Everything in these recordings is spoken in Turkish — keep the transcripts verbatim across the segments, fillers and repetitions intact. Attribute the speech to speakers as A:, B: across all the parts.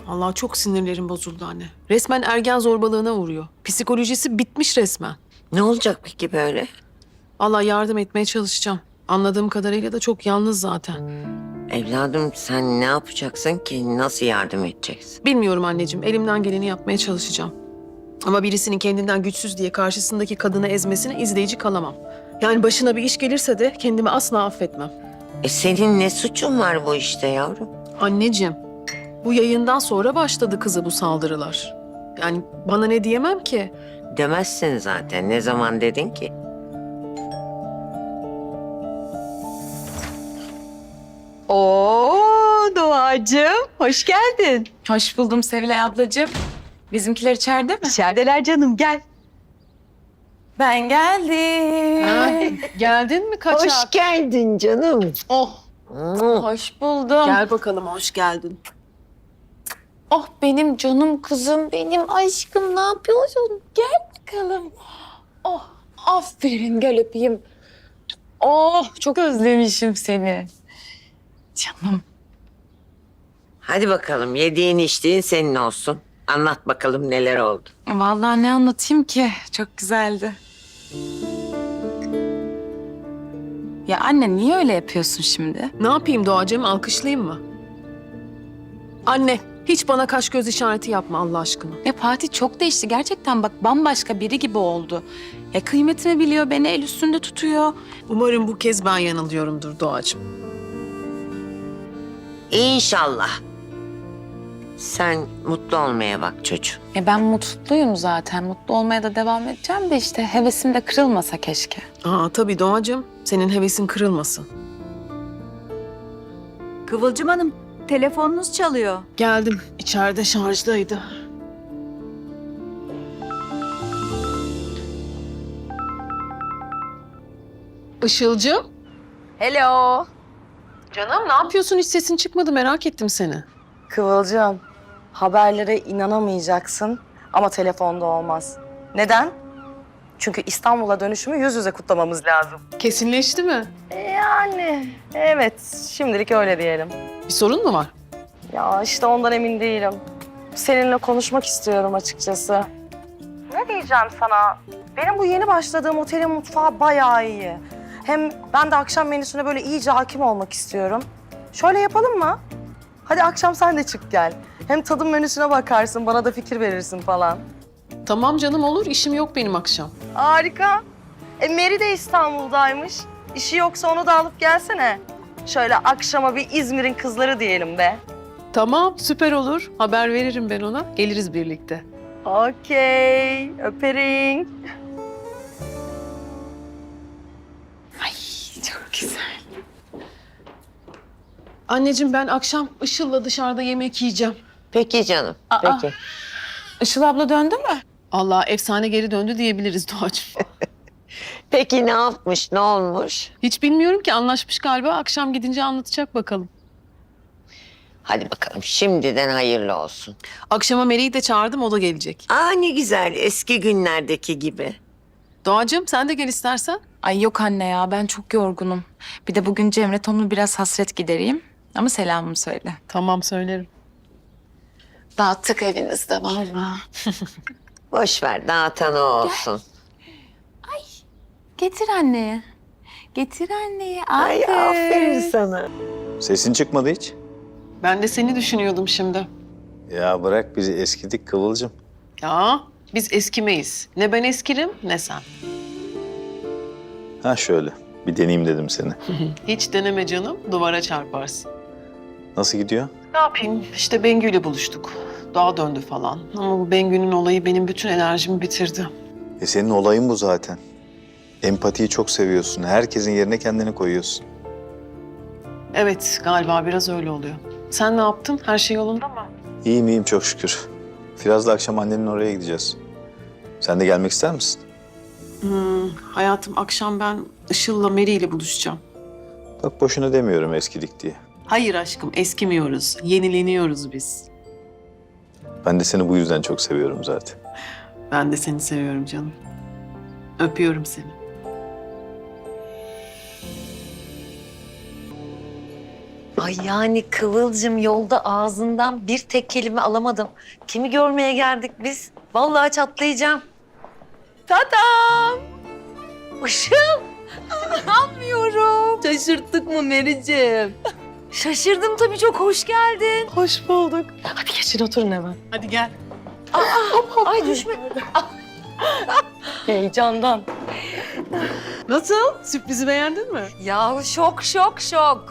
A: Allah çok sinirlerim bozuldu anne. Resmen ergen zorbalığına uğruyor. Psikolojisi bitmiş resmen.
B: Ne olacak peki böyle?
A: Allah yardım etmeye çalışacağım. Anladığım kadarıyla da çok yalnız zaten.
B: Evladım sen ne yapacaksın ki? Nasıl yardım edeceksin?
A: Bilmiyorum anneciğim. Elimden geleni yapmaya çalışacağım. Ama birisinin kendinden güçsüz diye karşısındaki kadını ezmesine izleyici kalamam. Yani başına bir iş gelirse de kendimi asla affetmem.
B: E senin ne suçun var bu işte yavrum?
A: Anneciğim, bu yayından sonra başladı kızı bu saldırılar. Yani bana ne diyemem ki?
B: Demezsin zaten. Ne zaman dedin ki?
C: Oo Doğacığım, hoş geldin.
D: Hoş buldum Sevilay ablacığım. Bizimkiler içeride mi?
C: İçerideler canım, gel.
D: Ben geldim.
A: Ha, geldin mi kaçak?
B: Hoş geldin canım.
A: Oh,
D: Hoş buldum.
A: gel bakalım hoş geldin.
D: Oh benim canım kızım, benim aşkım ne yapıyorsun? Gel bakalım. Oh aferin gel öpeyim. Oh çok özlemişim seni. Canım.
B: Hadi bakalım yediğin içtiğin senin olsun. Anlat bakalım neler oldu.
D: Vallahi ne anlatayım ki? Çok güzeldi. Ya anne niye öyle yapıyorsun şimdi?
A: Ne yapayım Doğacığım, alkışlayayım mı? Anne, hiç bana kaş göz işareti yapma Allah aşkına.
D: Ya Fatih çok değişti gerçekten bak bambaşka biri gibi oldu. Ya kıymetimi biliyor, beni el üstünde tutuyor.
A: Umarım bu kez ben yanılıyorumdur Doğacığım.
B: İnşallah. Sen mutlu olmaya bak çocuğum.
D: Ya ben mutluyum zaten. Mutlu olmaya da devam edeceğim de işte hevesim de kırılmasa keşke.
A: Aa tabii Doğacığım, senin hevesin kırılmasın.
C: Kıvılcım Hanım, telefonunuz çalıyor.
A: Geldim, içeride şarjdaydı. Işılcığım.
C: Hello.
A: Canım ne yapıyorsun? Hiç sesin çıkmadı, merak ettim seni.
E: Kıvılcım, haberlere inanamayacaksın ama telefonda olmaz. Neden? Çünkü İstanbul'a dönüşümü yüz yüze kutlamamız lazım.
A: Kesinleşti mi?
E: Yani evet, şimdilik öyle diyelim.
A: Bir sorun mu var?
E: Ya işte ondan emin değilim. Seninle konuşmak istiyorum açıkçası. Ne diyeceğim sana? Benim bu yeni başladığım otelin mutfağı bayağı iyi. Hem ben de akşam menüsüne böyle iyice hakim olmak istiyorum. Şöyle yapalım mı? Hadi akşam sen de çık gel. Hem tadım menüsüne bakarsın, bana da fikir verirsin falan.
A: Tamam canım olur, işim yok benim akşam.
E: Harika. E Meri de İstanbul'daymış. İşi yoksa onu da alıp gelsene. Şöyle akşama bir İzmir'in kızları diyelim be.
A: Tamam, süper olur. Haber veririm ben ona. Geliriz birlikte.
E: Okey, öperim.
D: Çok güzel.
A: Anneciğim ben akşam Işıl'la dışarıda yemek yiyeceğim.
B: Peki canım.
D: Aa.
B: Peki.
D: Işıl abla döndü mü?
A: Allah efsane geri döndü diyebiliriz Doğacığım.
B: Peki ne yapmış, ne olmuş?
A: Hiç bilmiyorum ki, anlaşmış galiba. Akşam gidince anlatacak bakalım.
B: Hadi bakalım şimdiden hayırlı olsun.
A: Akşama Meri'yi de çağırdım, o da gelecek.
B: Aa ne güzel eski günlerdeki gibi.
A: Doğacığım sen de gel istersen.
D: Ay yok anne ya ben çok yorgunum. Bir de bugün Cemre Tom'la biraz hasret gidereyim. Ama selamımı söyle.
A: Tamam söylerim.
D: Dağıttık evinizde vallahi.
B: Boş ver dağıtan o olsun.
D: Getir anneye. Getir anneye.
B: Ay
D: Aldır.
B: aferin sana.
F: Sesin çıkmadı hiç.
A: Ben de seni düşünüyordum şimdi.
F: Ya bırak bizi eskidik Kıvılcım.
A: Ya biz eskimeyiz. Ne ben eskirim ne sen.
F: Ha şöyle bir deneyeyim dedim seni.
A: Hiç deneme canım, duvara çarparsın.
F: Nasıl gidiyor?
A: Ne yapayım? İşte Bengü'yle buluştuk. Dağa döndü falan. Ama bu Bengü'nün olayı benim bütün enerjimi bitirdi.
F: E senin olayın bu zaten. Empatiyi çok seviyorsun. Herkesin yerine kendini koyuyorsun.
A: Evet, galiba biraz öyle oluyor. Sen ne yaptın? Her şey yolunda mı?
F: İyiyim iyiyim çok şükür. Firaz'la akşam annenin oraya gideceğiz. Sen de gelmek ister misin?
A: Hmm, hayatım akşam ben Işıl'la Meri ile buluşacağım.
F: Bak boşuna demiyorum eskidik diye.
A: Hayır aşkım, eskimiyoruz. Yenileniyoruz biz.
F: Ben de seni bu yüzden çok seviyorum zaten.
A: Ben de seni seviyorum canım. Öpüyorum seni.
G: Ay yani Kıvılcım yolda ağzından bir tek kelime alamadım. Kimi görmeye geldik biz? Vallahi çatlayacağım. Tadam! Işıl! İnanmıyorum. Şaşırttık mı Mericim? Şaşırdım tabii, çok hoş geldin.
E: Hoş bulduk.
G: Hadi geçin oturun hemen.
A: Hadi gel.
G: Ay düşme. Heyecandan.
A: Nasıl? Sürprizi beğendin mi?
G: Ya şok şok şok.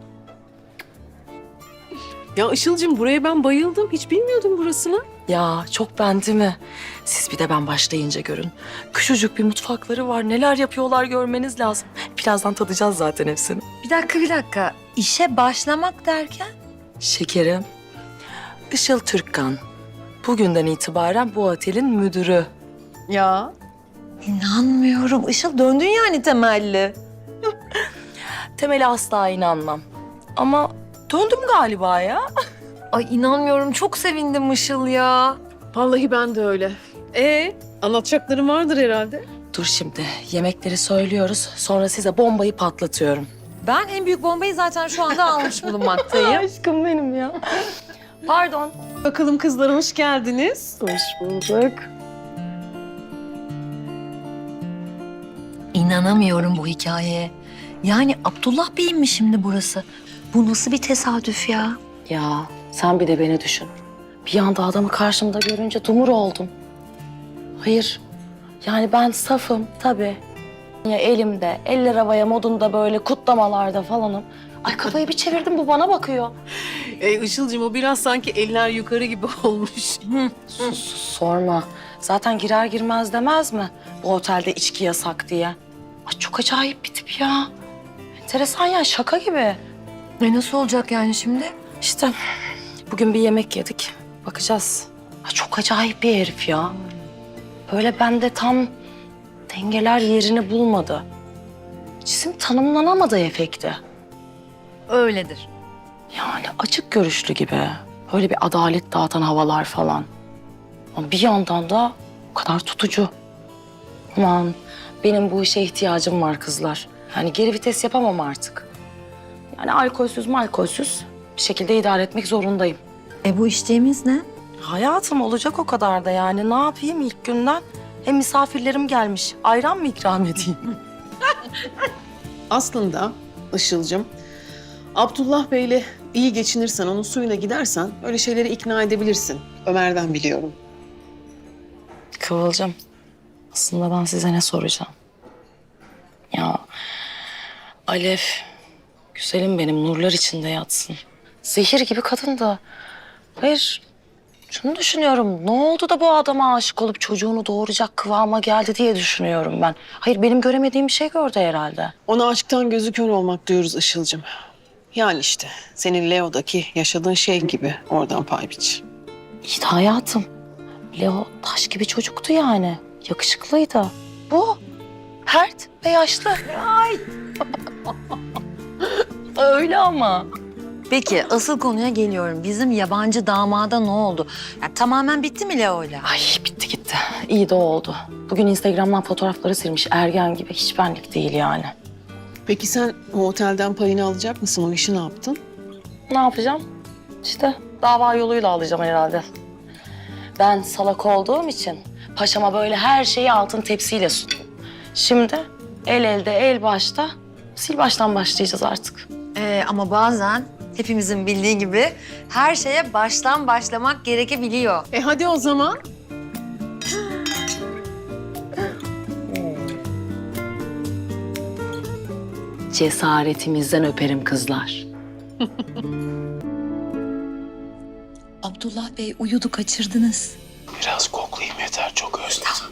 A: Ya Işıl'cığım buraya ben bayıldım. Hiç bilmiyordum burasını.
H: Ya çok ben değil mi? Siz bir de ben başlayınca görün. Küçücük bir mutfakları var. Neler yapıyorlar görmeniz lazım. Birazdan tadacağız zaten hepsini.
G: Bir dakika bir dakika. İşe başlamak derken?
H: Şekerim, Işıl Türkkan. Bugünden itibaren bu otelin müdürü.
A: Ya.
G: İnanmıyorum. Işıl döndün yani temelli.
H: Temeli asla inanmam. Ama döndüm galiba ya.
G: Ay inanmıyorum. Çok sevindim Işıl ya.
A: Vallahi ben de öyle. Ee, anlatacaklarım vardır herhalde.
H: Dur şimdi, yemekleri söylüyoruz. Sonra size bombayı patlatıyorum.
G: Ben en büyük bombayı zaten şu anda almış bulunmaktayım.
E: Aşkım benim ya.
G: Pardon.
A: Bakalım kızlar hoş geldiniz.
E: Hoş bulduk.
G: İnanamıyorum bu hikayeye. Yani Abdullah Bey'in mi şimdi burası? Bu nasıl bir tesadüf ya?
H: Ya sen bir de beni düşün. Bir anda adamı karşımda görünce dumur oldum. Hayır, yani ben safım tabii. Ya elimde, eller havaya modunda böyle kutlamalarda falanım. Ay kafayı bir çevirdim, bu bana bakıyor.
A: Ee, Işıl'cığım o biraz sanki eller yukarı gibi olmuş.
H: Sus, sus, sorma. Zaten girer girmez demez mi? Bu otelde içki yasak diye. Ay çok acayip bir tip ya. Enteresan ya, şaka gibi.
G: E nasıl olacak yani şimdi?
H: İşte bugün bir yemek yedik. Bakacağız. Ay çok acayip bir herif ya. Böyle bende tam dengeler yerini bulmadı. Cisim tanımlanamadı efekti.
G: Öyledir.
H: Yani açık görüşlü gibi. Böyle bir adalet dağıtan havalar falan. Ama bir yandan da o kadar tutucu. Aman benim bu işe ihtiyacım var kızlar. Yani geri vites yapamam artık. Yani alkolsüz malkolsüz bir şekilde idare etmek zorundayım.
G: E bu içtiğimiz ne?
H: Hayatım olacak o kadar da yani. Ne yapayım ilk günden? Hem misafirlerim gelmiş. Ayran mı ikram edeyim?
A: Aslında Işıl'cığım, Abdullah Bey'le iyi geçinirsen, onun suyuna gidersen öyle şeyleri ikna edebilirsin. Ömer'den biliyorum.
H: Kıvılcım, aslında ben size ne soracağım? Ya Alev, güzelim benim, nurlar içinde yatsın. Zehir gibi kadın da. Hayır, şunu düşünüyorum. Ne oldu da bu adama aşık olup çocuğunu doğuracak kıvama geldi diye düşünüyorum ben. Hayır, benim göremediğim bir şey gördü herhalde.
A: Ona aşktan gözü kör olmak diyoruz Işıl'cığım. Yani işte senin Leo'daki yaşadığın şey gibi oradan pay biç.
H: İyi de hayatım. Leo taş gibi çocuktu yani. Yakışıklıydı. Bu pert ve yaşlı. Ay. Öyle ama.
G: Peki asıl konuya geliyorum. Bizim yabancı damada ne oldu? Ya, tamamen bitti mi Leo'yla?
H: Ay bitti gitti. İyi de oldu. Bugün Instagram'dan fotoğrafları silmiş ergen gibi. Hiç benlik değil yani.
A: Peki sen o otelden payını alacak mısın? O işi ne yaptın?
H: Ne yapacağım? İşte dava yoluyla alacağım herhalde. Ben salak olduğum için paşama böyle her şeyi altın tepsiyle sundum. Şimdi el elde el başta sil baştan başlayacağız artık.
G: Ee, ama bazen hepimizin bildiği gibi her şeye baştan başlamak gerekebiliyor.
A: E hadi o zaman.
H: Cesaretimizden öperim kızlar.
G: Abdullah Bey uyudu, kaçırdınız.
I: Biraz koklayayım yeter, çok özledim.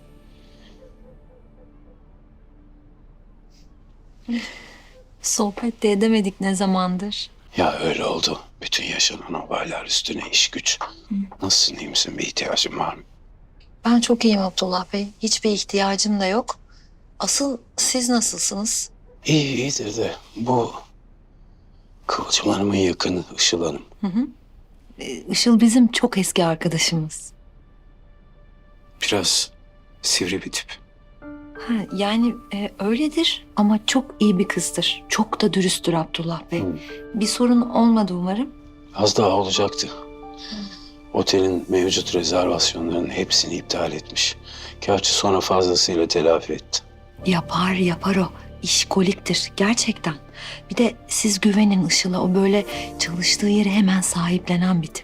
G: Sohbet de edemedik ne zamandır.
I: Ya öyle oldu. Bütün yaşanan olaylar üstüne iş güç. Nasılsın, iyi misin? Bir ihtiyacın var mı?
G: Ben çok iyiyim Abdullah Bey. Hiçbir ihtiyacım da yok. Asıl siz nasılsınız?
I: İyi, iyidir de bu Kıvılcım Hanım'ın yakını Işıl Hanım.
G: Ee, Işıl bizim çok eski arkadaşımız.
I: Biraz sivri bir tip.
J: Ha, yani e, öyledir ama çok iyi bir kızdır. Çok da dürüsttür Abdullah Bey.
I: Hı.
J: Bir sorun olmadı umarım.
I: Az daha olacaktı. Otelin mevcut rezervasyonlarının hepsini iptal etmiş. Gerçi sonra fazlasıyla telafi etti.
J: Yapar yapar o. İşkoliktir gerçekten. Bir de siz güvenin Işıl'a. O böyle çalıştığı yeri hemen sahiplenen bir tip.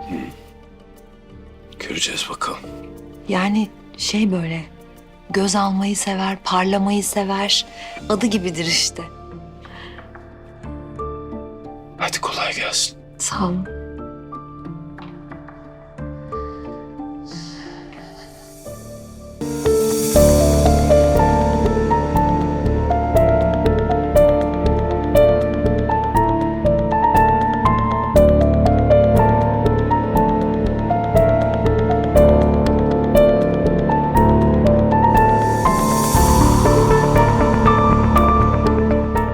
I: Göreceğiz bakalım.
J: Yani şey böyle göz almayı sever, parlamayı sever. Adı gibidir işte.
I: Hadi kolay gelsin.
J: Sağ olun.